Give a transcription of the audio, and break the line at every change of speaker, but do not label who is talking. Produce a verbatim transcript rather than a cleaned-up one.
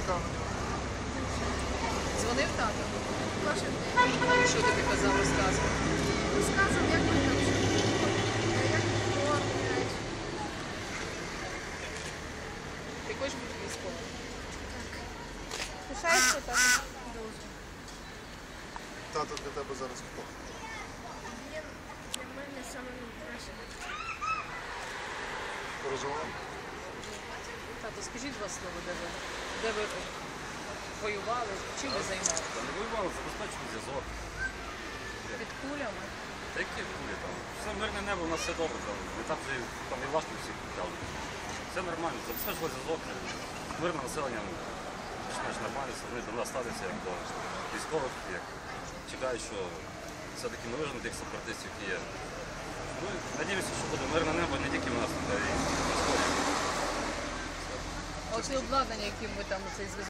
чекав на нього.
Дзвонив тато?
Кожен день.
Що тобі казав, розказував?
Розказував, як вони там живуть, як кормлять.
Ти хочеш бути військовим?
Так.
Пишаєшся так?
Дуже.
Тато для тебе зараз хто?
Він для мене саме найкраще.
Переживав?
Тато, скажіть два слова, де ви, де ви воювали, чим ви займалися?
Та не воювали, забезпечили зв'язок.
Під кулями?
Та які кулі там? Все мирне небо, у нас все добре. Там, і так вже там і важко всіх почали. Все нормально, забезпечили зв'язок. Мирне населення більш-менш нормально, все, вони до нас ставляться як до військових, як чекають, що все-таки ми вижимо тих сепаратистів, які є. Ну, надіємося, що буде мирне небо не тільки в нас, а й в історії.
А оце обладнання, яким ви там цей зв'язок